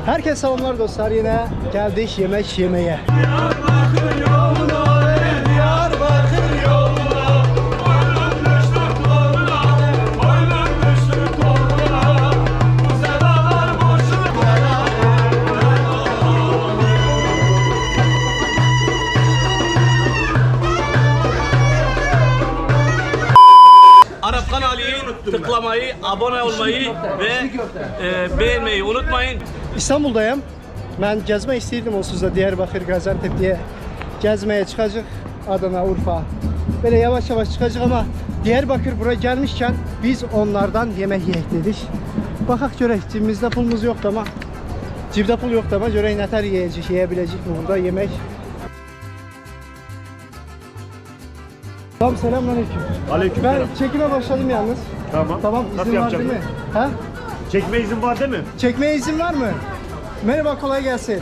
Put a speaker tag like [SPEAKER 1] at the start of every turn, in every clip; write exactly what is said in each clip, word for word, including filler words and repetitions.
[SPEAKER 1] Herkese selamlar dostlar, yine geldik yemek yemeye.
[SPEAKER 2] Diyarbakır yoluna, Diyarbakır yoluna, boynum düştü koluna, boynum düştü koluna, bu sedalar boşuna. Arap kanalını tıklamayı, abone olmayı ve e, beğenmeyi unutmayın.
[SPEAKER 1] İstanbul'dayım. Ben gezme isteyirdim onsuz da Diyarbakır, Gaziantep diye gezmeye çıkacak. Adana, Urfa. Böyle yavaş yavaş çıkacak ama Diyarbakır buraya gelmişken biz onlardan yemek yiyek dedik. Bakak görek, cebimizde pulumuz yoktu ama cebde pul yoktu ama görek neler yiyecek, yiyebilecek mi burada yemek. Tamam, selamünaleyküm.
[SPEAKER 3] Aleykümselam.
[SPEAKER 1] Ben çekime başladım yalnız.
[SPEAKER 3] Tamam.
[SPEAKER 1] Tamam,
[SPEAKER 3] Nasıl
[SPEAKER 1] izin var değil
[SPEAKER 3] yapacağım?
[SPEAKER 1] mi? Ha?
[SPEAKER 3] Çekme izin var değil mi?
[SPEAKER 1] Çekmeye izin var mı? Merhaba, kolay gelsin.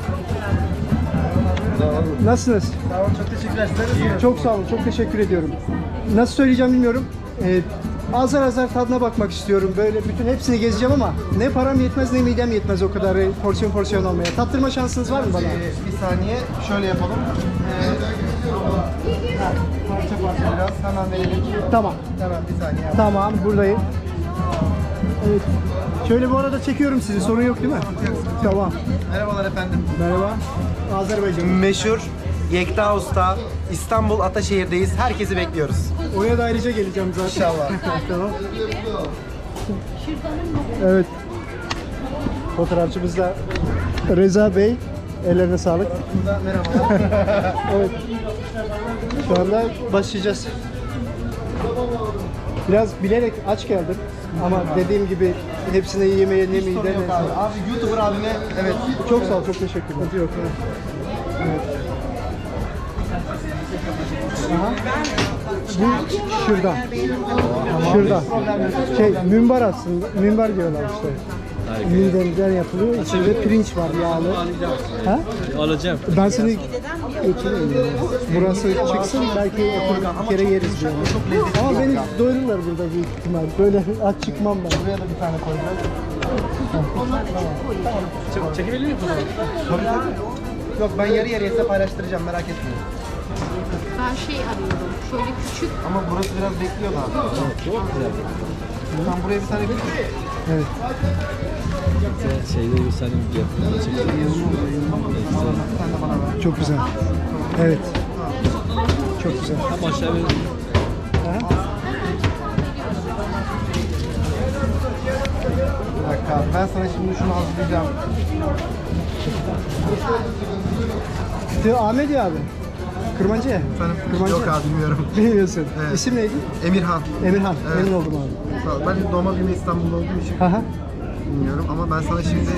[SPEAKER 1] Nasılsınız?
[SPEAKER 4] Sağ olun, çok teşekkürler. Sizler
[SPEAKER 1] Çok sağ olun, çok teşekkür ediyorum. Nasıl söyleyeceğim bilmiyorum. Ee, azar azar tadına bakmak istiyorum. Böyle bütün hepsini gezeceğim ama ne param yetmez ne midem yetmez o kadar porsiyon porsiyon almaya. Tattırma şansınız var mı bana?
[SPEAKER 4] Ee, bir saniye şöyle yapalım. Ee, ha, parça parça biraz hemen verelim.
[SPEAKER 1] Tamam,
[SPEAKER 4] Hemen bir saniye. Yap.
[SPEAKER 1] tamam, buradayım. Evet. Şöyle bu arada çekiyorum sizi, sorun yok değil mi? Tamam.
[SPEAKER 4] Merhabalar efendim.
[SPEAKER 1] Merhaba. Azerbaycan.
[SPEAKER 4] Meşhur Yekta Usta, İstanbul Ataşehir'deyiz. Herkesi bekliyoruz.
[SPEAKER 1] Oraya da ayrıca geleceğim zaten.
[SPEAKER 4] İnşallah.
[SPEAKER 1] Tamam. Evet. Fotoğrafçımız da Reza Bey. Ellerine sağlık.
[SPEAKER 4] Burada merhabalar.
[SPEAKER 1] Evet. Şu anda başlayacağız. Biraz bilerek aç geldim. Ama dediğim gibi hepsini yemeye ne
[SPEAKER 4] Sorun
[SPEAKER 1] mide
[SPEAKER 4] yok
[SPEAKER 1] ne.
[SPEAKER 4] abi. Abi YouTuber abime evet.
[SPEAKER 1] Çok sağ ol, çok teşekkürler. Yok. Evet. Aha. Bu şırdan. Şırdan. Şey, mümbar aslında. Mümbar diyorlar işte. Midemden yapılıyor. İçinde pirinç var, yağlı. Ha?
[SPEAKER 2] Alacağım.
[SPEAKER 1] Ben seni götüreyim. Burası çıksın, belki oturup bir kere yeriz diyorum. Ama beni doyururlar burada büyük ihtimal. Böyle aç çıkmam ben.
[SPEAKER 4] Buraya da bir tane koyacağız.
[SPEAKER 2] Çekebilir miyim?
[SPEAKER 4] Tabii tabii. Yok, ben yarı yarıya size paylaştıracağım, merak etmeyin.
[SPEAKER 5] Ben şey arıyorum, şöyle küçük.
[SPEAKER 4] Ama burası biraz bekliyor daha.
[SPEAKER 2] Çok güzel.
[SPEAKER 4] Sen buraya bir tane küçük.
[SPEAKER 1] Evet.
[SPEAKER 2] Şeyde göstereyim fiyatını çekelim.
[SPEAKER 4] Sen de bana ver.
[SPEAKER 1] Çok güzel. Evet. Çok güzel.
[SPEAKER 2] Tam aşağı verin.
[SPEAKER 4] Bir dakika abi, ben sana şimdi şunu hazırlayacağım.
[SPEAKER 1] De Ahmet ya abi. Kırmancı ya.
[SPEAKER 4] Efendim?
[SPEAKER 1] Kırmancı.
[SPEAKER 4] Yok abi, bilmiyorum.
[SPEAKER 1] Bilmiyorsun.
[SPEAKER 4] Evet.
[SPEAKER 1] İsim neydi?
[SPEAKER 4] Emirhan.
[SPEAKER 1] Emirhan.
[SPEAKER 4] Evet.
[SPEAKER 1] Memnun oldum abi.
[SPEAKER 4] Sağ ol. Ben doğma büyüme İstanbul'da olduğum için
[SPEAKER 1] Aha.
[SPEAKER 4] bilmiyorum ama ben sana şimdi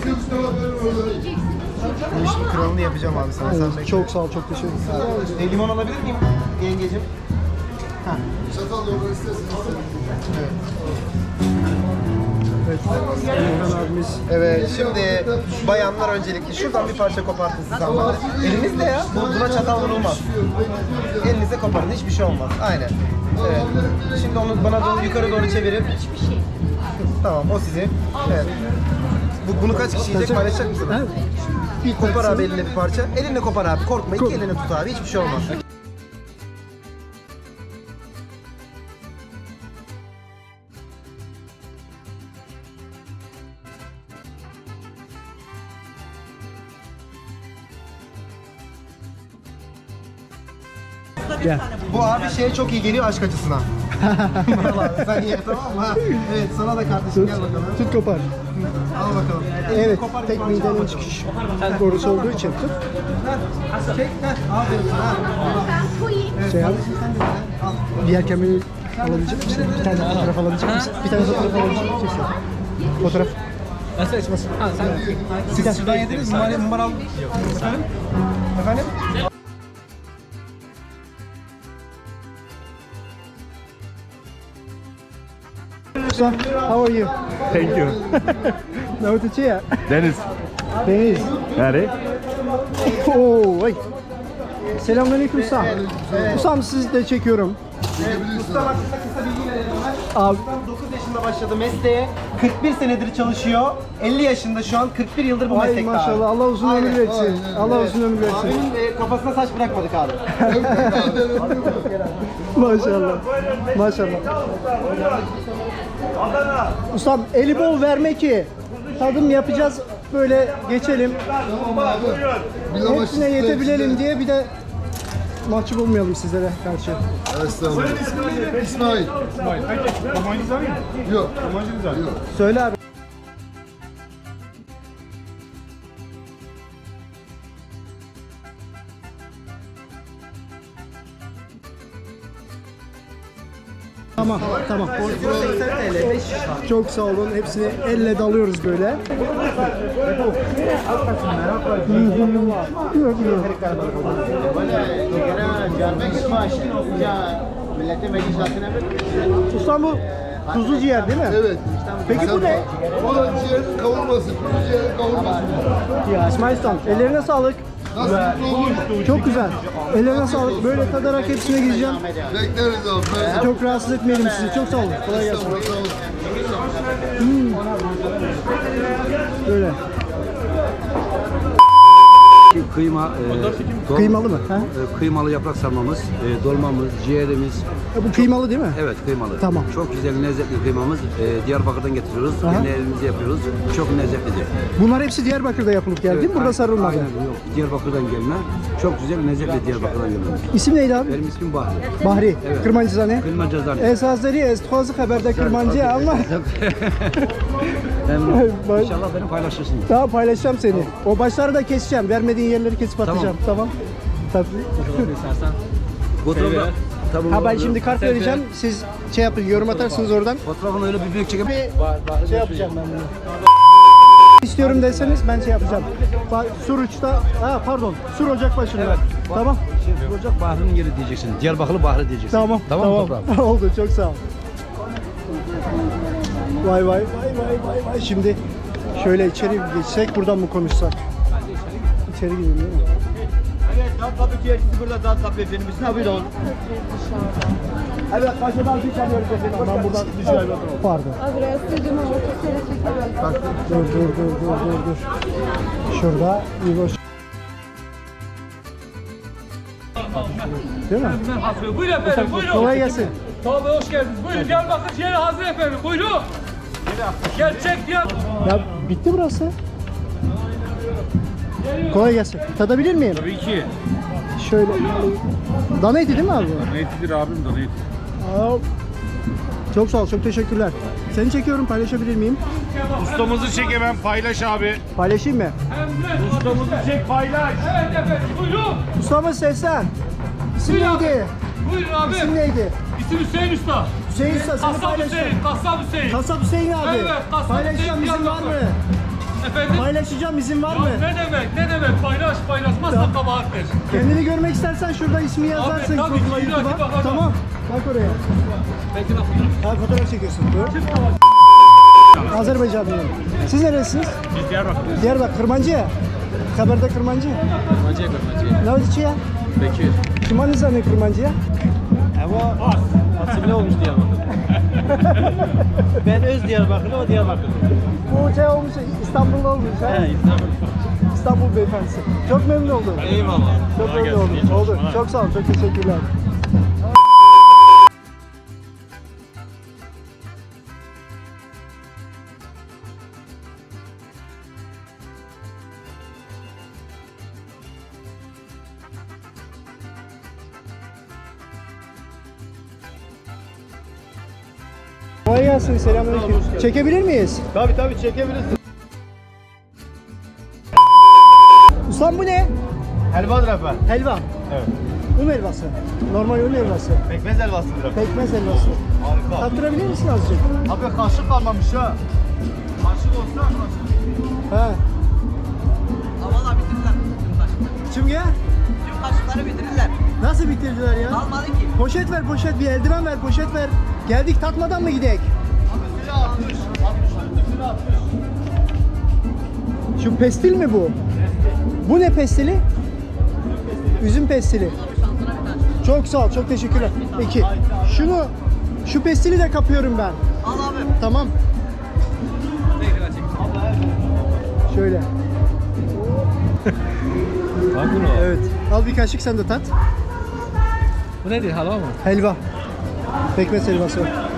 [SPEAKER 4] bu işin kralını yapacağım abi sana. Sen
[SPEAKER 1] Evet,
[SPEAKER 4] bekle.
[SPEAKER 1] çok sağ ol, çok teşekkür ederim.
[SPEAKER 4] E, limon alabilir miyim yengecim? Ha.
[SPEAKER 1] Evet. Emirhan abimiz.
[SPEAKER 4] Evet, şimdi bayanlar öncelikli şuradan bir parça kopartın siz hanımefendi. Elinizle ya, bu, buna çatal vurulmaz. Elinizle koparın, hiçbir şey olmaz. Aynen. Evet. Şimdi onu bana doğru yukarı doğru çevirin. Tamam, o sizin. Evet. Bu, bunu kaç kişi yiyecek, paylaşacak mısınız?
[SPEAKER 1] Ha? Bir
[SPEAKER 4] Kopar
[SPEAKER 1] tanesini-
[SPEAKER 4] abi eline bir parça. Elinle kopar abi, korkma. İki
[SPEAKER 1] Ko-
[SPEAKER 4] elini tut abi, hiçbir şey olmaz.
[SPEAKER 1] Gel.
[SPEAKER 4] Bu abi şeye çok iyi geliyor, aşk acısına. Vallahi sen ye, tamam mı? Ha? Evet, sana da kardeşim, gel bakalım.
[SPEAKER 1] Tut kopar.
[SPEAKER 4] Al bakalım.
[SPEAKER 1] Evet,
[SPEAKER 4] Kopar bir
[SPEAKER 1] tek
[SPEAKER 4] parça al
[SPEAKER 1] midenin
[SPEAKER 4] bakalım.
[SPEAKER 1] çıkış borusu olduğu için tut.
[SPEAKER 4] Heh, Çek, heh, aferin sana. Evet,
[SPEAKER 1] Şey yap.
[SPEAKER 4] kardeşim sen de al.
[SPEAKER 1] Diğer kamerayı alabilecek misin? Bir tane fotoğraf alabilecek misin? Bir tane fotoğraf alabilecek misin? Fotoğraf.
[SPEAKER 2] Nasıl açmasın? Ha sen.
[SPEAKER 4] Siz şuradan yediniz mi? Numara, numara al. Efendim? Efendim?
[SPEAKER 1] How are you?
[SPEAKER 3] Thank you.
[SPEAKER 1] No to cheer.
[SPEAKER 3] Deniz.
[SPEAKER 1] Deniz.
[SPEAKER 3] Nerede?
[SPEAKER 1] Oo, vay. Selamünaleyküm Ustam. Ustam sizi de çekiyorum.
[SPEAKER 4] Evet, usta hakkında kısa bilgi verelim ben.
[SPEAKER 1] Abi.
[SPEAKER 4] Ustam dokuz yaşında başladı mesleğe. kırk bir senedir çalışıyor. elli yaşında şu an, kırk bir yıldır bu
[SPEAKER 1] Ay
[SPEAKER 4] meslekte abi.
[SPEAKER 1] maşallah, Allah uzun ömür
[SPEAKER 4] Aynen.
[SPEAKER 1] versin.
[SPEAKER 6] Aynen.
[SPEAKER 1] Allah uzun ömür versin.
[SPEAKER 4] Abinin e, kafasına saç bırakmadık abi.
[SPEAKER 1] Maşallah. Maşallah. Ustam eli bol verme ki tadım yapacağız, böyle geçelim. Hepsine yetebilelim diye, bir de mahcup olmayalım sizlere karşı.
[SPEAKER 6] Estağfurullah. İsmail. Yok. Yok.
[SPEAKER 1] Söyle abi. Tamam, tamam.
[SPEAKER 4] seksen TL, beş şiş var.
[SPEAKER 1] Çok sağ olun. Hepsini elle dalıyoruz böyle. Ustam bu kuzu ciğer değil mi?
[SPEAKER 6] Evet.
[SPEAKER 1] Peki bu ne?
[SPEAKER 6] O da ciğerin kavurması. Kuzu ciğerin kavurması.
[SPEAKER 1] Ya İsmail Ustam, ellerine sağlık.
[SPEAKER 6] Nasıl olmuş?
[SPEAKER 1] Çok güzel. Ellerine sağlık. Böyle tadarak hepsine gideceğim.
[SPEAKER 6] Bekleriz abi. Ben
[SPEAKER 1] Çok rahatsız etmeyelim sizi. Çok sağ olun. Kolay gelsin.
[SPEAKER 6] Sağ olun.
[SPEAKER 1] Böyle.
[SPEAKER 7] Kıyma, e, dol-
[SPEAKER 1] Kıymalı mı? Ha?
[SPEAKER 7] e, kıymalı yaprak sarmamız, e, dolmamız, ciğerimiz.
[SPEAKER 1] E, bu kıymalı değil mi?
[SPEAKER 7] Evet, kıymalı.
[SPEAKER 1] Tamam.
[SPEAKER 7] Çok güzel, lezzetli kıymamız. E, Diyarbakır'dan getiriyoruz.
[SPEAKER 1] Aha.
[SPEAKER 7] Kendi elimizde yapıyoruz. Çok lezzetlidir.
[SPEAKER 1] Bunlar hepsi Diyarbakır'da yapılıp geldi değil mi? Burada
[SPEAKER 7] a-
[SPEAKER 1] sarılmadı.
[SPEAKER 7] Aynen, yok. Diyarbakır'dan gelme. Çok güzel, lezzetli Diyarbakır'dan gelme.
[SPEAKER 1] İsim neydi abi?
[SPEAKER 7] Benim ismim Bahri.
[SPEAKER 1] Bahri.
[SPEAKER 7] Evet.
[SPEAKER 1] Kırmancızane.
[SPEAKER 7] Kıyma cezanı.
[SPEAKER 1] Esasları estihazı haberde kırmancı ama
[SPEAKER 7] İnşallah beni paylaşırsın.
[SPEAKER 1] daha paylaşacağım seni. O başları da keseceğim. Vermediğin yerleri kesip atacağım. Tamam. Tabii.
[SPEAKER 7] Fotoğrafı, tamam,
[SPEAKER 1] Ha ben
[SPEAKER 7] oldu.
[SPEAKER 1] şimdi kart vereceğim. Siz şey yapın, yorum atarsınız oradan.
[SPEAKER 7] Fotoğrafını öyle bir büyük çekip
[SPEAKER 1] Bir şey yapacağım ben bunu. İstiyorum deseniz ben şey yapacağım. Bak, Suruç'ta, ha pardon, Sur Ocakbaşı'nda. Tamam.
[SPEAKER 7] şey olacak. Bahri'nin yeri diyeceksin. Diyarbakırlı Bahri diyeceksin.
[SPEAKER 1] Tamam.
[SPEAKER 7] Tamam,
[SPEAKER 1] Tamam.
[SPEAKER 7] toprağım.
[SPEAKER 1] Oldu, çok sağ ol. Vay vay vay vay vay vay. Şimdi şöyle içeri geçsek, buradan mı konuşsak? İçeri gidelim değil mi? Evet, başladan bir çalıyoruz efendim. Ben buradan dışarı bakalım. Pardon.
[SPEAKER 5] Abi rastladım ama kesere çeker.
[SPEAKER 1] Dur dur dur dur dur dur. Şurada İboş. Değil mi?
[SPEAKER 2] Buyurun efendim, buyurun.
[SPEAKER 1] Kolay gelsin.
[SPEAKER 2] Tabii hoş geldiniz. Buyurun Diyarbakır ciğeri hazır efendim. Buyurun. Gerçek Diyar.
[SPEAKER 1] Ya bitti burası. Kolay gelsin. Tadabilir miyim?
[SPEAKER 8] Tabii ki.
[SPEAKER 1] Şöyle. Dana eti değil mi abi? bu?
[SPEAKER 8] Dana etidir abim, dana eti.
[SPEAKER 1] Aa, çok sağ ol, çok teşekkürler. Seni çekiyorum, paylaşabilir miyim?
[SPEAKER 8] Ustamızı çek hemen, paylaş abi.
[SPEAKER 1] Paylaşayım mı?
[SPEAKER 8] Ustamızı çek, paylaş.
[SPEAKER 2] Evet efendim, buyurun.
[SPEAKER 1] Ustamız seslen. İsim
[SPEAKER 2] Buyur abi.
[SPEAKER 1] neydi?
[SPEAKER 2] Buyurun abi.
[SPEAKER 1] İsim neydi?
[SPEAKER 2] İsim Hüseyin Usta.
[SPEAKER 1] Hüseyin Usta, seni
[SPEAKER 2] Kasap
[SPEAKER 1] paylaşacağım.
[SPEAKER 2] Hüseyin, Kasap Hüseyin.
[SPEAKER 1] Kasap Hüseyin abi.
[SPEAKER 2] Evet, Kasap
[SPEAKER 1] Paylaşacağım,
[SPEAKER 2] Hüseyin
[SPEAKER 1] izin var mı?
[SPEAKER 2] Diyarbakır. Efendim?
[SPEAKER 1] Paylaşacağım, izin var mı?
[SPEAKER 2] Ya ne demek, ne demek? Paylaş, paylaşmazsan kabahattir.
[SPEAKER 1] Kendini görmek istersen şurada ismi yazarsın.
[SPEAKER 2] tabii ki,
[SPEAKER 1] Google'a,
[SPEAKER 2] illaki
[SPEAKER 1] YouTube'a.
[SPEAKER 2] bakacağım.
[SPEAKER 1] Tamam, bak oraya.
[SPEAKER 2] Belki lafı.
[SPEAKER 1] Ha, fotoğraf çekiyorsun. Buyur. Azerbaycanlıyım. Siz neresiniz?
[SPEAKER 8] Biz Diyarbakır'dayız.
[SPEAKER 1] Diyarbakır, Kırmancı. Haberde Kırmancı.
[SPEAKER 8] Kırmacıya kırmacıya.
[SPEAKER 1] Ne oldu ya?
[SPEAKER 8] Bekir.
[SPEAKER 1] Kim anı ne Kırmancı'ya?
[SPEAKER 8] Asimile olmuş Diyarbakır. Ben öz Diyarbakırlı, o Diyarbakırlı.
[SPEAKER 1] Bu şey olmuş, İstanbul'da olmuş ha?
[SPEAKER 8] He, İstanbul.
[SPEAKER 1] İstanbul beyefendisi. Çok memnun oldum.
[SPEAKER 8] Eyvallah.
[SPEAKER 1] Çok
[SPEAKER 8] Kolay
[SPEAKER 1] memnun
[SPEAKER 8] gelsin, iyi
[SPEAKER 1] oldum. Oldu.
[SPEAKER 8] çalışmalar.
[SPEAKER 1] Çok sağ ol, çok teşekkürler. Kolay gelsin, selamünaleyküm. Çekebilir miyiz?
[SPEAKER 8] Tabii tabii çekebilirsin.
[SPEAKER 1] Ustam bu ne?
[SPEAKER 8] Helvadır efendim.
[SPEAKER 1] Helva.
[SPEAKER 8] Evet.
[SPEAKER 1] Un helvası. Normal un helvası.
[SPEAKER 8] Pekmez helvasıdır efendim.
[SPEAKER 1] Pekmez helvası.
[SPEAKER 8] Harika.
[SPEAKER 1] Tattırabilir misin azıcık?
[SPEAKER 8] Abi kaşık kalmamış ha. Kaşık olsa kaşık.
[SPEAKER 1] Ha.
[SPEAKER 9] Valla bitirdiler tüm kaşıkları.
[SPEAKER 1] Şimdi ya?
[SPEAKER 9] Tüm kaşıkları bitirdiler.
[SPEAKER 1] Nasıl bitirdiler ya?
[SPEAKER 9] Kalmadı ki.
[SPEAKER 1] Poşet ver poşet, bir eldiven ver, poşet ver. Geldik tatmadan mı gidek?
[SPEAKER 8] Üstüne atmış. altmışın üstüne atmış.
[SPEAKER 1] Şu pestil mi bu? Bu ne pestili? Üzüm pestili. Çok sağ ol, çok teşekkürler. İki. Şunu, şu pestili de kapıyorum ben.
[SPEAKER 9] Al abi.
[SPEAKER 1] Tamam. Şöyle. Evet. Al bir kaşık sen de tat.
[SPEAKER 2] Bu nedir, halva mı?
[SPEAKER 1] Helva. Pekmez helvası.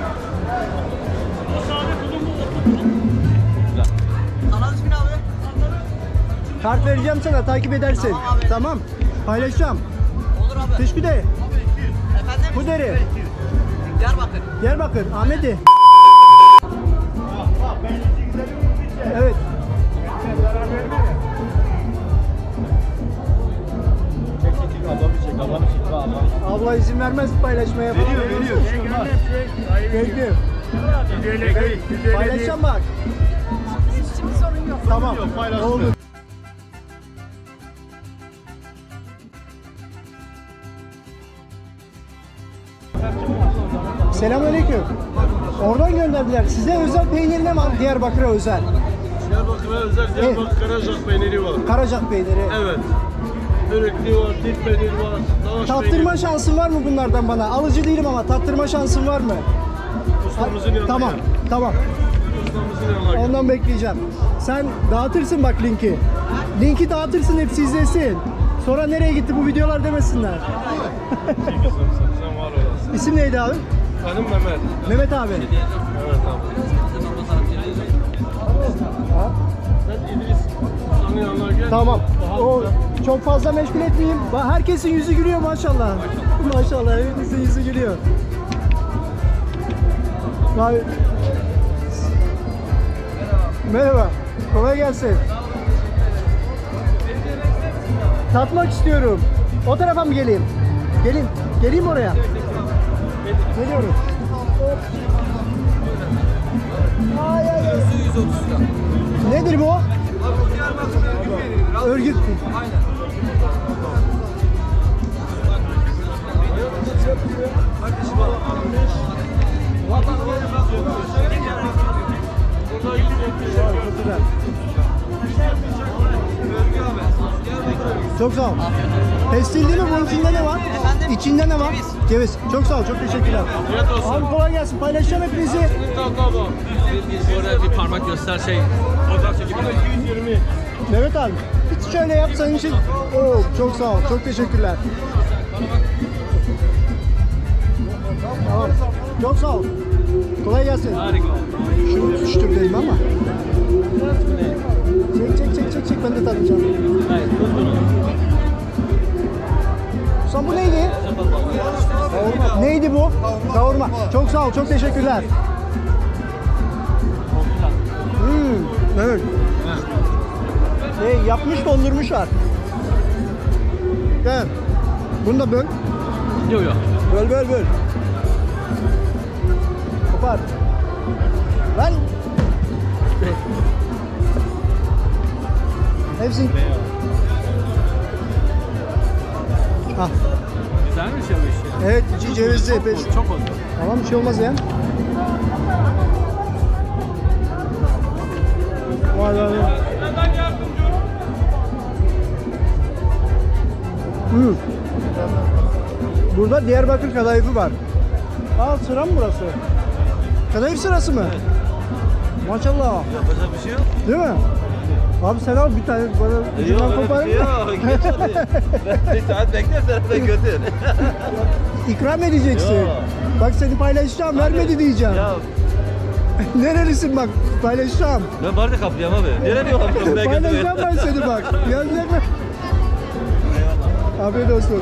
[SPEAKER 9] Kanal ismini abi.
[SPEAKER 1] Kart vereceğim sana, takip edersin.
[SPEAKER 9] Tamam abi.
[SPEAKER 1] Tamam. Paylaşacağım.
[SPEAKER 9] Olur abi.
[SPEAKER 1] Teşekkür ederim.
[SPEAKER 9] Efendim?
[SPEAKER 1] Bu deri.
[SPEAKER 9] Diyarbakır.
[SPEAKER 1] Diyarbakır. Ahmet'i. Evet. Abla izin vermez paylaşmaya falan.
[SPEAKER 8] Veriyor, veriyor.
[SPEAKER 1] Bekliyorum. Paylaşacağım bak.
[SPEAKER 5] Şimdi sorun yok.
[SPEAKER 1] Tamam. Oldu. Selamünaleyküm. Oradan gönderdiler. Size özel peynir ne var? Diyarbakır'a özel.
[SPEAKER 8] Diyarbakır'a özel Diyarbakır Karacak peyniri var.
[SPEAKER 1] Karacak peyniri.
[SPEAKER 8] Evet. Börekli var, dil peyniri var, lavaş
[SPEAKER 1] Tattırma şansın var mı bunlardan bana? Alıcı değilim ama tattırma şansın var mı?
[SPEAKER 8] Ustamızın yanına
[SPEAKER 1] Tamam,
[SPEAKER 8] gel.
[SPEAKER 1] tamam.
[SPEAKER 8] Ustamızın yanına gel.
[SPEAKER 1] Ondan bekleyeceğim. Sen dağıtırsın bak linki. Linki dağıtırsın, hepsi izlesin. Sonra nereye gitti bu videolar demesinler.
[SPEAKER 8] Kızım sen, sen var olasın.
[SPEAKER 1] İsim neydi abi?
[SPEAKER 8] Benim Mehmet.
[SPEAKER 1] Mehmet abi.
[SPEAKER 8] Evet abi. Ben İdris. Ustanın yanına gel.
[SPEAKER 1] Tamam.
[SPEAKER 8] Daha
[SPEAKER 1] O
[SPEAKER 8] güzel.
[SPEAKER 1] çok fazla meşgul etmeyeyim. Bak, herkesin yüzü gülüyor maşallah. Maşallah, hepimizin yüzü gülüyor. Bak- Merhaba. Kolay gelsin. Tatmak istiyorum. O tarafa mı geleyim? Gelin. Geleyim oraya. Geliyorum. Ay, ay, ay. Nedir bu? Örgüt. Çok sağ ol. Pestil değil mi? Bunun içinde ne var?
[SPEAKER 9] Efendim?
[SPEAKER 1] İçinde ne var?
[SPEAKER 9] Ceviz.
[SPEAKER 1] Ceviz. Çok sağ ol. Çok teşekkürler.
[SPEAKER 8] Afiyet olsun.
[SPEAKER 1] Abi kolay gelsin. Paylaşacağım hepinizi.
[SPEAKER 8] Tamam.
[SPEAKER 2] Orada bir parmak göster şey. Fotoğraf çekip.
[SPEAKER 8] iki yüz yirmi.
[SPEAKER 1] Mehmet abi. Hiç şöyle yapsan için. Oo, çok sağ ol. Çok teşekkürler. Tamam. Çok sağ ol. Kolay gelsin.
[SPEAKER 2] Harika.
[SPEAKER 1] Şunu tutuşturdayım ama. Çek çek çek çek çek, ben de tadacağım.
[SPEAKER 2] Hayır, tuz bunu.
[SPEAKER 1] Sen bu neydi? Kavurma. Neydi bu? Kavurma. Çok sağ ol, çok teşekkürler. Hmm, evet. Şey, yapmış dondurmuşlar. Gel. Bunu da böl.
[SPEAKER 2] Yok yok.
[SPEAKER 1] Böl böl böl. Kopar. Lan. Hepsini. Ah.
[SPEAKER 2] Güzelmiş ya bu iş.
[SPEAKER 1] Evet, içi cevizli. Beş.
[SPEAKER 2] Çok oldu.
[SPEAKER 1] Tamam, bir şey olmaz ya. Vay vay vay. Hmm. Burada Diyarbakır kadayıfı var. Aa, sıra mı burası? Kadayıf sırası mı? Maşallah.
[SPEAKER 8] Yapacak bir şey yok.
[SPEAKER 1] Değil mi? Abi sen al bir tane bana ucundan koparın da.
[SPEAKER 8] Bir saat beklersen ben götür.
[SPEAKER 1] İkram edeceksin.
[SPEAKER 8] Yok.
[SPEAKER 1] Bak seni paylaşacağım, vermedi diyeceğim. Nerelisin bak, paylaşacağım.
[SPEAKER 8] Ben bardak kaplayayım abi. Nereye diyor kaplayayım? Ben
[SPEAKER 1] Paylaşacağım ben seni bak. Yazacak mı? Afiyet olsun.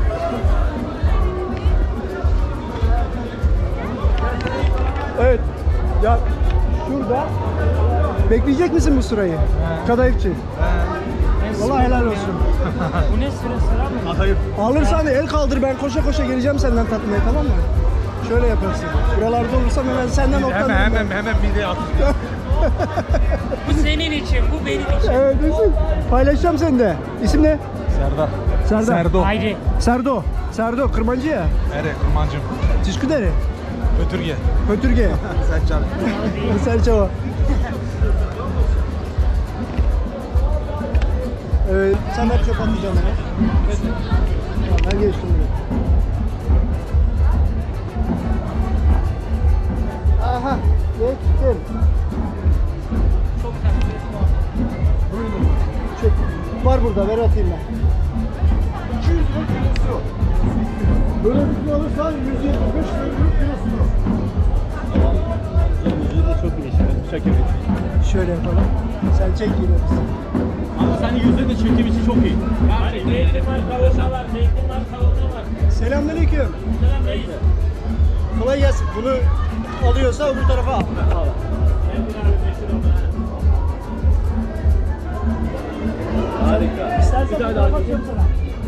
[SPEAKER 1] Evet. Ya şurada bekleyecek misin bu sırayı? Kadayıfçı. Vallahi helal olsun.
[SPEAKER 2] Bu ne sıra sıra mı?
[SPEAKER 8] Atayım.
[SPEAKER 1] Alırsan el kaldır, ben koşa koşa geleceğim senden tatmaya, tamam mı? Şöyle yaparsın. Buralarda olursam hemen senden otlanırım.
[SPEAKER 8] Hemen
[SPEAKER 1] ben.
[SPEAKER 8] hemen hemen mideye at.
[SPEAKER 2] Bu senin için, bu benim için.
[SPEAKER 1] Evet, isim. Paylaşacağım seni de. İsim ne?
[SPEAKER 8] Serdar.
[SPEAKER 1] Serdar.
[SPEAKER 8] Serdo.
[SPEAKER 2] Haydi.
[SPEAKER 1] Serdo. Serdo, Kırmancı ya.
[SPEAKER 8] Ere kurmancım.
[SPEAKER 1] Teşekkür
[SPEAKER 8] Ötürge.
[SPEAKER 1] Hötürge.
[SPEAKER 8] Sen çal.
[SPEAKER 1] Serçava. Evet, sen hep çöp atacaksın bana. Tamam, ben geçtim buraya. Aha, geçtim. var burada, ver atayım ben.
[SPEAKER 8] iki yüz lira kilosu. Böyle bir kilo alırsan yüz yetmiş beş lira kilosu.
[SPEAKER 3] Çok iyi işte. Şeker.
[SPEAKER 1] Şöyle yapalım. Sen çek yine biz.
[SPEAKER 3] Ama senin yüzde de çekim için çok iyi.
[SPEAKER 2] Hani zeytin var, kavurma var, zeytin var, kavurma var.
[SPEAKER 1] Selamünaleyküm.
[SPEAKER 2] Selam reis.
[SPEAKER 1] Kolay gelsin. Bunu alıyorsa öbür tarafa al.
[SPEAKER 3] Harika.
[SPEAKER 1] İstersen bir tarafa atıyorum sana.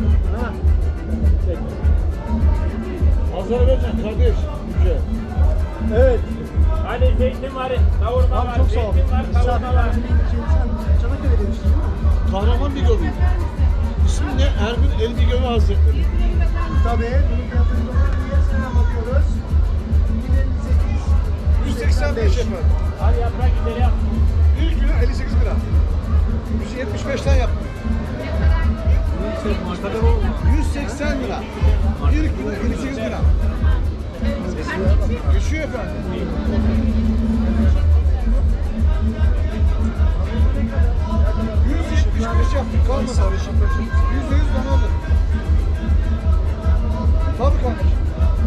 [SPEAKER 8] Pazara vereceksin kardeş. Güzel.
[SPEAKER 1] Evet.
[SPEAKER 2] Hani zeytin var, kavurma
[SPEAKER 1] Abi
[SPEAKER 2] var,
[SPEAKER 1] çok sağ ol.
[SPEAKER 2] zeytin var, kavurma var.
[SPEAKER 1] Sen Çanakkale demiştin değil mi?
[SPEAKER 8] Kahraman bir gömü. İsmi ne? Erbil Elbi Gömü Hazretleri.
[SPEAKER 1] Tabii. Bunun fiyatını niye sana bakıyoruz?
[SPEAKER 8] yüz seksen beş efendim.
[SPEAKER 2] Hadi yaprak güzel yap.
[SPEAKER 8] Bir kilo elli sekiz lira. yüz yetmiş beşten yaptım. yüz seksen lira. Bir kilo elli sekiz lira. Geçiyor efendim. yüz yetmiş beş yaptık kalmadı. Yüzde yüz danadır. Tabii kardeşim.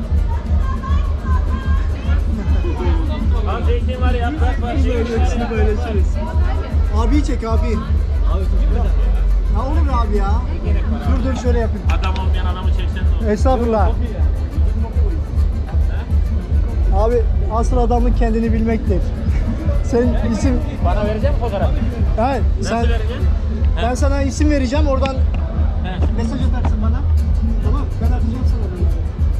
[SPEAKER 2] Al zeytin var, yaprak var, zeytin var.
[SPEAKER 1] Böyle içeriz. Abi çek abi. Ya olur abi ya. Dur dur şöyle yapayım.
[SPEAKER 2] Adam olmayan adamı çeksen ne olur?
[SPEAKER 1] Estağfurullah. Abi asıl adamlık kendini bilmektir. Sen isim...
[SPEAKER 2] Bana verecek misin fotoğraf?
[SPEAKER 1] Hayır,
[SPEAKER 2] Nasıl
[SPEAKER 1] sen...
[SPEAKER 2] vereceksin?
[SPEAKER 1] Ben sana isim vereceğim, oradan
[SPEAKER 2] He.
[SPEAKER 1] mesaj atarsın bana. Tamam, ben atacağım sana bunları.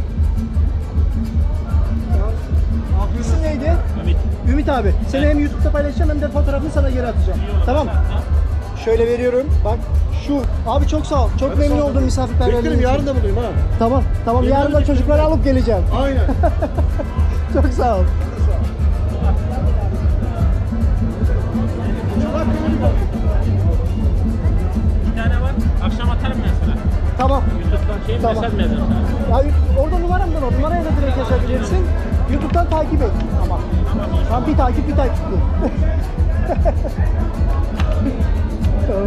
[SPEAKER 1] Tamam. İsim neydi?
[SPEAKER 2] Ümit.
[SPEAKER 1] Ümit abi. Seni hem YouTube'da paylaşacağım hem de fotoğrafını sana geri atacağım. Tamam. Şöyle veriyorum. Bak şu. Abi çok sağ ol. Çok memnun oldum
[SPEAKER 8] Beklerim
[SPEAKER 1] misafirperverliğin
[SPEAKER 8] yarın
[SPEAKER 1] için.
[SPEAKER 8] da buradayım ha.
[SPEAKER 1] Tamam. Tamam yarın da çocukları alıp geleceğim.
[SPEAKER 8] Aynen.
[SPEAKER 1] Çok sağ ol.
[SPEAKER 2] Bir tane var. Akşam atarım ben sana.
[SPEAKER 1] Tamam.
[SPEAKER 2] YouTube'dan şey
[SPEAKER 1] Tamam.
[SPEAKER 2] mesaj mı yazarım sana?
[SPEAKER 1] Ya orada numaramdan o. Numaraya da direkt yazabilirsin. YouTube'dan takip et ama. Tam bir takip bir takip. Tamam.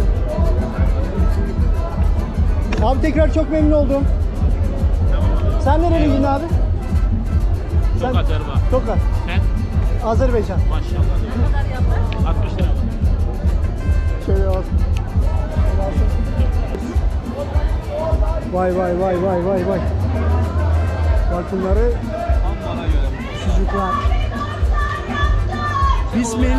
[SPEAKER 1] Abi tekrar çok memnun oldum. Sen nereliydin abi?
[SPEAKER 2] Çok
[SPEAKER 1] Sen-
[SPEAKER 2] atarım ha.
[SPEAKER 1] Tokat.
[SPEAKER 2] Sen?
[SPEAKER 1] Azerbaycan.
[SPEAKER 2] Maşallah. altmış lira.
[SPEAKER 1] Şöyle bak. Vay vay vay vay vay vay. Bak bunları sucuklar. Bismil.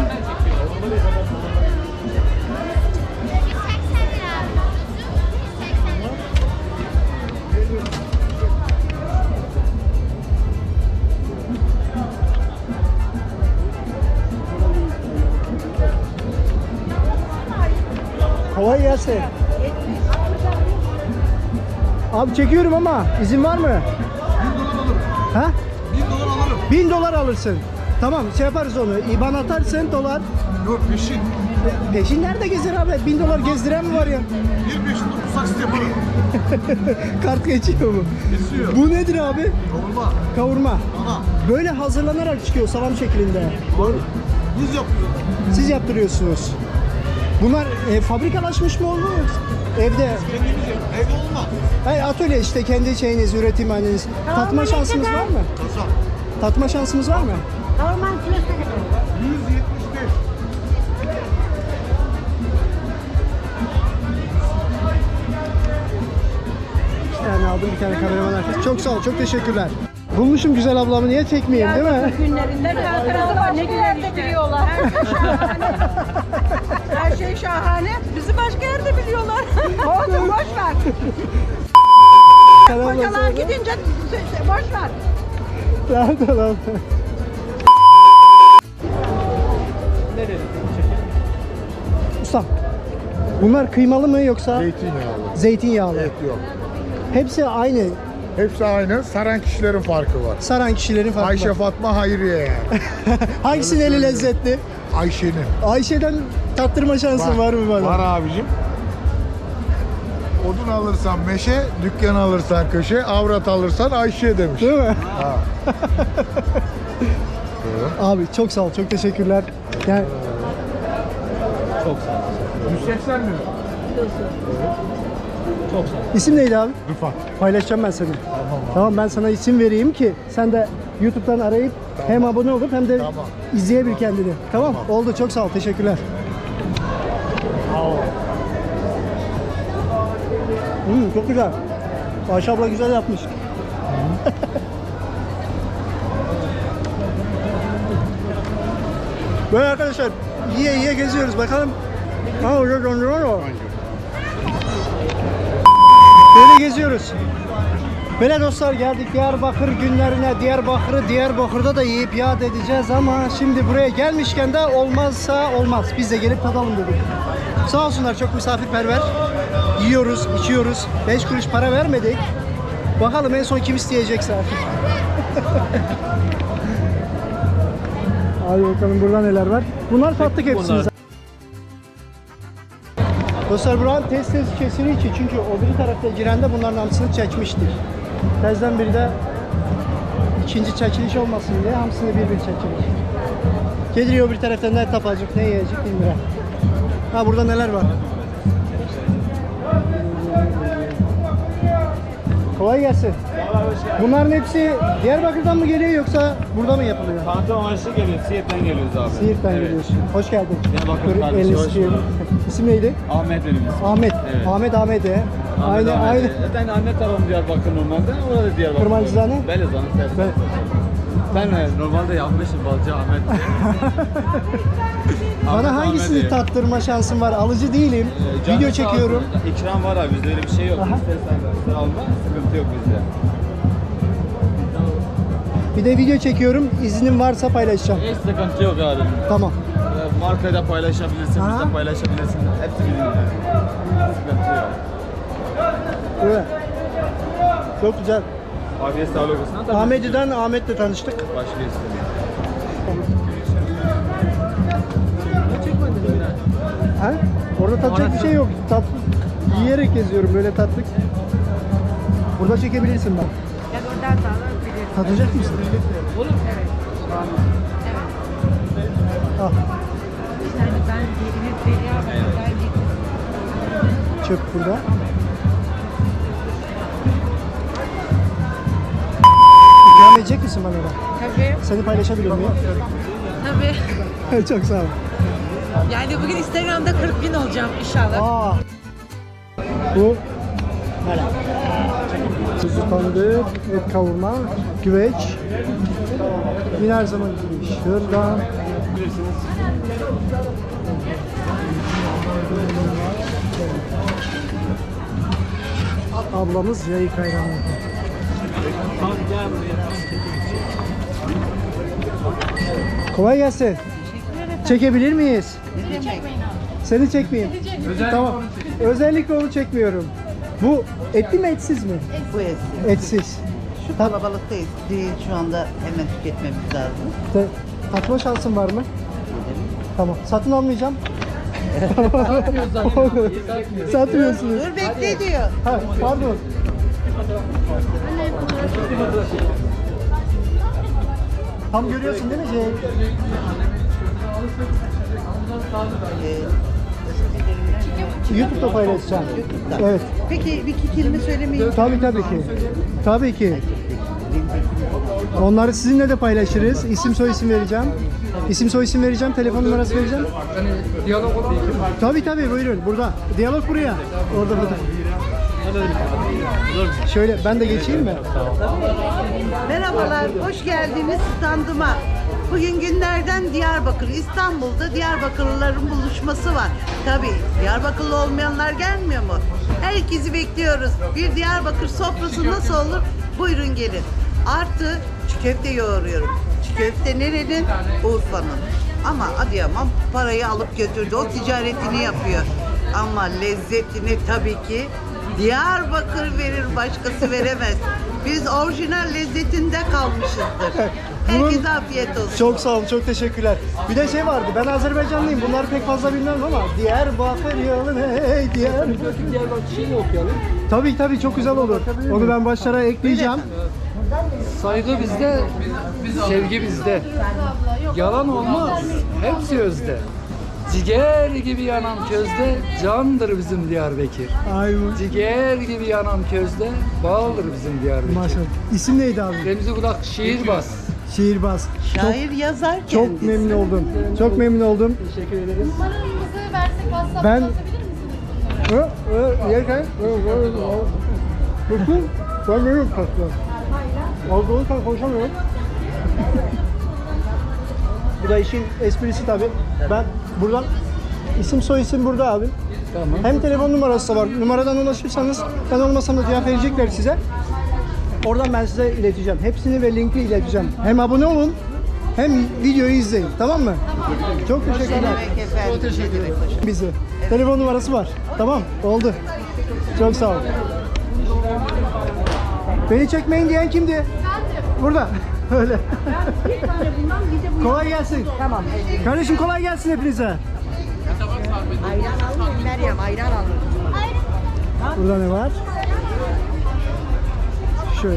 [SPEAKER 1] Kolay gelsin. Abi çekiyorum ama izin var mı?
[SPEAKER 8] Bin dolar alırım.
[SPEAKER 1] Ha?
[SPEAKER 8] Bin dolar alırım.
[SPEAKER 1] Bin dolar alırsın. Tamam şey yaparız onu. İban atarsın dolar.
[SPEAKER 8] Yok peşin.
[SPEAKER 1] Peşin nerede gezer abi? Bin dolar gezdiren mi var ya?
[SPEAKER 8] Bir peşin dokuz saksit yaparım.
[SPEAKER 1] Kart geçiyor mu?
[SPEAKER 8] Geçiyor.
[SPEAKER 1] Bu nedir abi?
[SPEAKER 8] Kavurma.
[SPEAKER 1] Kavurma.
[SPEAKER 8] Ana.
[SPEAKER 1] Böyle hazırlanarak çıkıyor salam şeklinde. Doğru.
[SPEAKER 8] Biz yapıyoruz.
[SPEAKER 1] Siz yaptırıyorsunuz. Bunlar e, fabrikalaşmış mı oldu yoksa evde?
[SPEAKER 8] Kendimiz yap. Evde olmaz.
[SPEAKER 1] Hayır atölye işte kendi şeyiniz, üretim haliniz. Tatma şansımız var mı?
[SPEAKER 8] Kasap.
[SPEAKER 1] Tatma şansımız var mı?
[SPEAKER 5] Normal kilosu ne kadar?
[SPEAKER 8] yüz yetmiş beş.
[SPEAKER 1] Bir tane aldım, bir tane kameraman arkadaş. Çok sağ ol, çok teşekkürler. Bulmuşum güzel ablamı, niye çekmeyeyim değil mi?
[SPEAKER 5] Günlerinde bir Ankara'da var. Ne günlerde biliyorlar. Her şey şahane. Bizi başka yerde biliyorlar. Olsun boş ver.
[SPEAKER 1] Selam
[SPEAKER 5] Kocalar gidince boş ver.
[SPEAKER 1] Nerede lan? Ustam, bunlar kıymalı mı yoksa
[SPEAKER 6] Zeytinyağlı.
[SPEAKER 1] zeytinyağlı?
[SPEAKER 6] Et yok.
[SPEAKER 1] Hepsi aynı.
[SPEAKER 6] Hepsi aynı. Saran kişilerin farkı var.
[SPEAKER 1] Saran kişilerin farkı
[SPEAKER 6] Ayşe
[SPEAKER 1] var.
[SPEAKER 6] Fatma Hayriye yani.
[SPEAKER 1] Hangisinin eli lezzetli?
[SPEAKER 6] Ayşe'nin.
[SPEAKER 1] Ayşe'den tattırma şansın var, mı bana?
[SPEAKER 6] Var abicim. Odun alırsan meşe, dükkan alırsan köşe, avrat alırsan Ayşe demiş.
[SPEAKER 1] Değil mi?
[SPEAKER 6] Ha.
[SPEAKER 1] Abi çok sağ ol, çok teşekkürler. Yani
[SPEAKER 6] yüz seksen mi?
[SPEAKER 3] Çok sağ ol.
[SPEAKER 1] İsim neydi abi?
[SPEAKER 6] Rıfat.
[SPEAKER 1] Paylaşacağım ben seni. Tamam ben sana isim vereyim ki sen de YouTube'dan arayıp hem abone olup hem de
[SPEAKER 6] Tamam.
[SPEAKER 1] izleyebil kendini. Tamam. Oldu. Çok sağ ol. Teşekkürler. Hmm, çok güzel. Ayşe abla güzel yapmış. Böyle arkadaşlar yiye yiye geziyoruz. Bakalım. Ha orada dondurma mı? Böyle geziyoruz. Böyle dostlar geldik Diyarbakır günlerine. Diyarbakır'ı Diyarbakır'da da yiyip yad edeceğiz ama şimdi buraya gelmişken de olmazsa olmaz. Biz de gelip tadalım dedik. Sağ olsunlar çok misafirperver. Yiyoruz, içiyoruz. beş kuruş para vermedik. Bakalım en son kim isteyecekse artık. Hadi bakalım burada neler var. Bunlar tatlık hepsini. Dostlar buranın tez tez kesiri için çünkü o bir tarafta girende bunların hamsını çekmiştir. Tezden biri de ikinci çekiliş olmasın diye hamsını bir bir çekilir. Geliyor bir taraftan ne tapacak ne yiyecek bilmiyorum. Ha burada neler var? Kolay gelsin. Bunların hepsi Diyarbakır'dan mı geliyor yoksa burada mı yapılıyor?
[SPEAKER 3] Tanıtım amaçlı geliyor. Siirt'ten geliyoruz abi.
[SPEAKER 1] Siirt'ten
[SPEAKER 3] Evet.
[SPEAKER 1] geliyorsun. Hoş geldin.
[SPEAKER 3] Diyarbakır
[SPEAKER 1] Dur,
[SPEAKER 3] kardeşi,
[SPEAKER 1] elini
[SPEAKER 3] hoş
[SPEAKER 1] sıkıyorum.
[SPEAKER 3] bulduk.
[SPEAKER 1] İsim neydi?
[SPEAKER 3] Ahmet benim ismim.
[SPEAKER 1] Ahmet.
[SPEAKER 3] Evet.
[SPEAKER 1] Ahmet Ahmet he.
[SPEAKER 3] Ahmet,
[SPEAKER 1] Aynı
[SPEAKER 3] Ahmet.
[SPEAKER 1] aynı.
[SPEAKER 3] Zaten anne tarafım Diyarbakır normalde. Orada da Diyarbakır.
[SPEAKER 1] Kırmancızane?
[SPEAKER 3] Belezan'ın tersi.
[SPEAKER 1] Ben-
[SPEAKER 3] Ben e, normalde yapmışım Balcı Ahmet diye.
[SPEAKER 1] Bana
[SPEAKER 3] Ahmet,
[SPEAKER 1] hangisini
[SPEAKER 3] Ahmet diye.
[SPEAKER 1] tattırma şansın var? Alıcı değilim.
[SPEAKER 3] Ee, canı
[SPEAKER 1] Video
[SPEAKER 3] sağ
[SPEAKER 1] çekiyorum.
[SPEAKER 3] olsun. İkram var abi bizde öyle bir şey yok.
[SPEAKER 1] Aha.
[SPEAKER 3] İstersen sen alma sıkıntı yok bizde.
[SPEAKER 1] Bir de video çekiyorum. İznin varsa paylaşacağım.
[SPEAKER 3] Hiç sıkıntı yok abi.
[SPEAKER 1] Tamam.
[SPEAKER 3] Ee, Markayı da paylaşabilirsin,
[SPEAKER 1] Aha.
[SPEAKER 3] biz de paylaşabilirsin. Hepsi bizim yani. Sıkıntı yok.
[SPEAKER 1] Evet. Çok güzel.
[SPEAKER 3] Abiye sağlık olsun. Tabii
[SPEAKER 1] Ahmet'den Ahmet'le tanıştık.
[SPEAKER 3] Başka istemiyorum.
[SPEAKER 1] Ha? Orada tatacak bir şey yok. Tat yiyerek geziyorum böyle tatlık. Burada çekebilirsin bak.
[SPEAKER 5] Ya oradan da alabiliriz.
[SPEAKER 1] Tadacak mısın?
[SPEAKER 5] Evet.
[SPEAKER 1] Al.
[SPEAKER 5] Yani ben yerine Diyarbakır'dan gittim.
[SPEAKER 1] Çöp burada. İkram edecek misin bana da?
[SPEAKER 5] Tabii.
[SPEAKER 1] Seni paylaşabilir miyim?
[SPEAKER 5] Tabii.
[SPEAKER 1] Çok sağ ol.
[SPEAKER 5] Yani bugün Instagram'da kırk bin olacağım inşallah.
[SPEAKER 1] Aa. Bu böyle. Kuzu tandır, et kavurma, güveç. Yine her zaman gibi. Şuradan. Ablamız yayık ayranı. Kolay gelsin. Çekebilir miyiz? Seni çekmeyeyim. Tamam. Özellikle onu çekmiyorum. Bu etli mi etsiz mi?
[SPEAKER 10] Bu etsiz.
[SPEAKER 1] Etsiz.
[SPEAKER 10] Şu
[SPEAKER 1] Tat-
[SPEAKER 10] kalabalıkta et değil. Şu anda hemen tüketmemiz lazım.
[SPEAKER 1] Te- tatma şansın var mı? Tamam. Satın almayacağım. Satmıyorsunuz.
[SPEAKER 10] Dur bekle diyor.
[SPEAKER 1] Ha, pardon. Tam görüyorsun değil mi şey?
[SPEAKER 10] Ee,
[SPEAKER 1] YouTube'da paylaşacağım. Evet.
[SPEAKER 10] Peki bir iki kelime söylemeyi
[SPEAKER 1] Tabii tabii ki. Tabii ki. Onları sizinle de paylaşırız. İsim soy isim vereceğim. İsim soy isim vereceğim. Telefon numarası vereceğim.
[SPEAKER 2] Diyalog olur.
[SPEAKER 1] Tabii tabii buyurun burada. Diyalog buraya. Orada burada. Şöyle ben de geçeyim mi?
[SPEAKER 10] Merhabalar, hoş geldiniz standıma. Bugün günlerden Diyarbakır, İstanbul'da Diyarbakırlıların buluşması var. Tabii Diyarbakırlı olmayanlar gelmiyor mu? Herkesi bekliyoruz. Bir Diyarbakır sofrası nasıl olur? Buyurun gelin. Artı çiğ köfte yoğuruyorum. Çiğ köfte nerenin? Urfa'nın. Ama Adıyaman parayı alıp götürdü. O ticaretini yapıyor. Ama lezzetini tabii ki Diyarbakır verir, başkası veremez. Biz orijinal lezzetinde kalmışızdır. Herkese afiyet olsun.
[SPEAKER 1] Çok sağ olun, çok teşekkürler. Bir de şey vardı, ben Azerbaycanlıyım. Bunları pek fazla bilmem ama Diyarbakır yolun hey Diyarbakır.
[SPEAKER 2] Diyarbakır şeyi okuyalım.
[SPEAKER 1] Tabii tabii çok güzel olur. Onu ben başlara ekleyeceğim.
[SPEAKER 2] Saygı bizde, sevgi bizde. Yalan olmaz. Hepsi özde.
[SPEAKER 11] Ciğer gibi yanan közde candır bizim Diyarbakır.
[SPEAKER 1] Ay mı?
[SPEAKER 11] Ciğer gibi yanan közde baldır bizim Diyarbakır.
[SPEAKER 1] Maşallah. İsim neydi abi?
[SPEAKER 11] Remzi Budak şiirbaz.
[SPEAKER 1] Şiirbaz.
[SPEAKER 10] Şair yazar kendisi.
[SPEAKER 1] Çok memnun oldum. Çok memnun oldum. Teşekkür ederiz.
[SPEAKER 12] Numaranızı versek WhatsApp'tan
[SPEAKER 1] Ben-
[SPEAKER 12] atabilir misiniz?
[SPEAKER 1] Hı? Hı? Yerken? Hı, hı, hı. Bakın, ben benim kasım. Alkoholü konuşamıyorum. Bu da işin esprisi tabii. Ben buradan isim soy isim burada abi.
[SPEAKER 11] Tamam.
[SPEAKER 1] Hem telefon numarası da var. Numaradan ulaşırsanız ben olmasam da cevap verecekler size. Oradan ben size ileteceğim. Hepsini ve linki ileteceğim. Hem abone olun hem videoyu izleyin. Tamam mı? Çok teşekkürler.
[SPEAKER 10] demek efendim?
[SPEAKER 1] Çok teşekkür ederim. Bizi. Telefon numarası var. Tamam. Oldu. Çok sağ ol. Beni çekmeyin diyen kimdi? Burada. Öyle. Kolay gelsin. Tamam. Kardeşim kolay gelsin hepinize.
[SPEAKER 5] Ayran alayım Meryem, ayran alayım.
[SPEAKER 1] Burada ne var? Şöyle.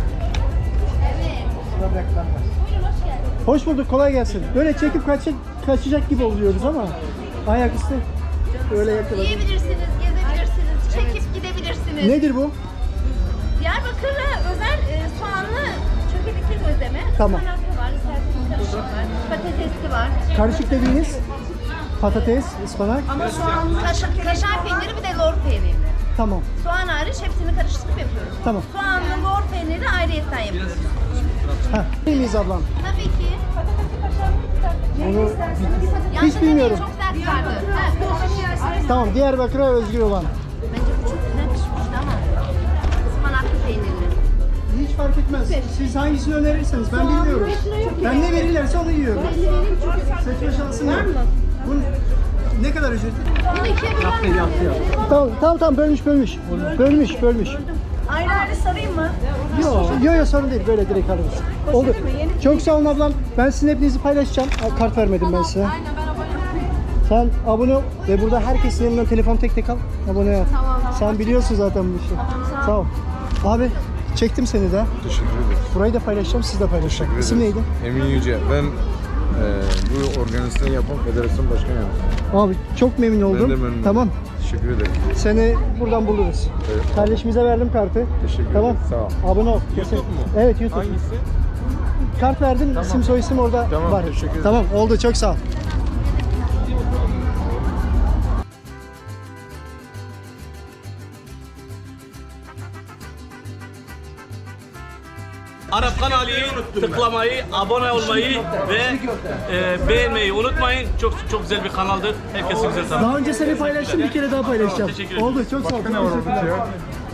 [SPEAKER 1] Hoş bulduk, kolay gelsin. Böyle çekip kaçacak, kaçacak gibi oluyoruz ama ayaküstü öyle yakaladım.
[SPEAKER 12] Yiyebilirsiniz, gezebilirsiniz, çekip gidebilirsiniz.
[SPEAKER 1] Nedir bu?
[SPEAKER 12] Diyarbakır'a özel e, soğanlı çökelekli gözleme.
[SPEAKER 1] Tamam.
[SPEAKER 12] Ispanaklı var, isterseniz karışık var, patatesli var.
[SPEAKER 1] Karışık dediğiniz patates, ıspanak.
[SPEAKER 12] Ama soğanlı... Kaşar, kaşar peyniri bir de lor peyniri.
[SPEAKER 1] Tamam,
[SPEAKER 12] Soğan hariç hepsini karıştırıp yapıyoruz.
[SPEAKER 1] tamam.
[SPEAKER 12] Soğanlı lor peyniri ayrıyetten yapıyoruz.
[SPEAKER 1] Ha, iyi miyiz ablam?
[SPEAKER 12] Tabii ki.
[SPEAKER 1] Onu
[SPEAKER 12] Yalnız
[SPEAKER 1] hiç bilmiyorum.
[SPEAKER 12] Çok sert sardı. Evet.
[SPEAKER 1] Tamam, Diyarbakır'a özgü olan.
[SPEAKER 12] Bence bu çok güzel pişmişti ama. Ispanaklı peynirli.
[SPEAKER 1] Hiç fark etmez. Siz hangisini önerirseniz ben bilmiyorum. Ben ne verirlerse onu yiyorum. Seçme şansım var mı? Bu ne kadar ücreti?
[SPEAKER 12] Bunu ikiye böler
[SPEAKER 1] Tamam, tamam, tamam bölmüş, bölmüş. Bölmüş, bölmüş.
[SPEAKER 12] Ayrı ayrı sarayım mı?
[SPEAKER 1] Yok, yok, yok sorun değil. Böyle direkt alırız. Oldu. Çok sağ olun ablam. Ben sizin hepinizi paylaşacağım. Aa, kart vermedim ben size.
[SPEAKER 12] Aynen ben abone olayım.
[SPEAKER 1] Sen abone ol ve burada herkesin elinden telefon tek tek al. Abone ol.
[SPEAKER 12] Tamam.
[SPEAKER 1] Sen biliyorsun zaten bu işi. Sağ ol. Abi çektim seni de.
[SPEAKER 8] Teşekkür ederim.
[SPEAKER 1] Burayı da paylaşacağım, siz de paylaşacağım.
[SPEAKER 8] Teşekkür
[SPEAKER 1] İsim
[SPEAKER 8] ederim.
[SPEAKER 1] neydi?
[SPEAKER 8] Emin Yüce. Ben e, bu organizasyonu yapan federasyon başkanı yardımcısıyım.
[SPEAKER 1] Abi çok memnun oldum.
[SPEAKER 8] Ben de memnun
[SPEAKER 1] Tamam.
[SPEAKER 8] oldum. Teşekkür ederim.
[SPEAKER 1] Seni buradan buluruz.
[SPEAKER 8] Evet.
[SPEAKER 1] Kardeşimize verdim kartı.
[SPEAKER 8] Teşekkür
[SPEAKER 1] Tamam.
[SPEAKER 8] ederim. Sağ ol.
[SPEAKER 1] Abone ol.
[SPEAKER 8] YouTube mu?
[SPEAKER 1] Evet, YouTube.
[SPEAKER 8] Hangisi?
[SPEAKER 1] Kart verdim. İsim soy isim orada
[SPEAKER 8] Tamam,
[SPEAKER 1] var.
[SPEAKER 8] teşekkür ederim.
[SPEAKER 1] Tamam, oldu. Çok sağ ol.
[SPEAKER 2] Arap kanalıyı tıklamayı, abone olmayı ve e, beğenmeyi unutmayın. Çok çok güzel bir kanaldır. Herkese güzel tanır.
[SPEAKER 1] Daha önce seni paylaştım. Bir kere daha paylaşacağım.
[SPEAKER 2] Teşekkür ederim.
[SPEAKER 1] Oldu. Çok sağ ol.
[SPEAKER 8] Ne var orada ya?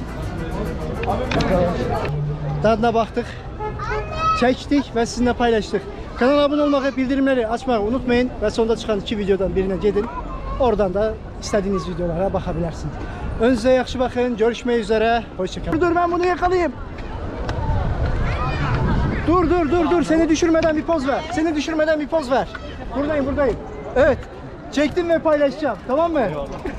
[SPEAKER 1] Tadına baktık. Çektik ve sizinle paylaştık. Kanala abone olmak ve bildirimleri açmayı unutmayın. Ve sonunda çıkan iki videodan birine gidin. Oradan da istediğiniz videolara bakabilirsiniz. Önünüze yaxşı bakın. Görüşmek üzere. Hoşçakalın. Dur ben bunu yakalayayım. Dur dur dur dur. Seni düşürmeden bir poz ver. Seni düşürmeden bir poz ver. Buradayım buradayım. Evet. Çektim ve paylaşacağım. Tamam mı?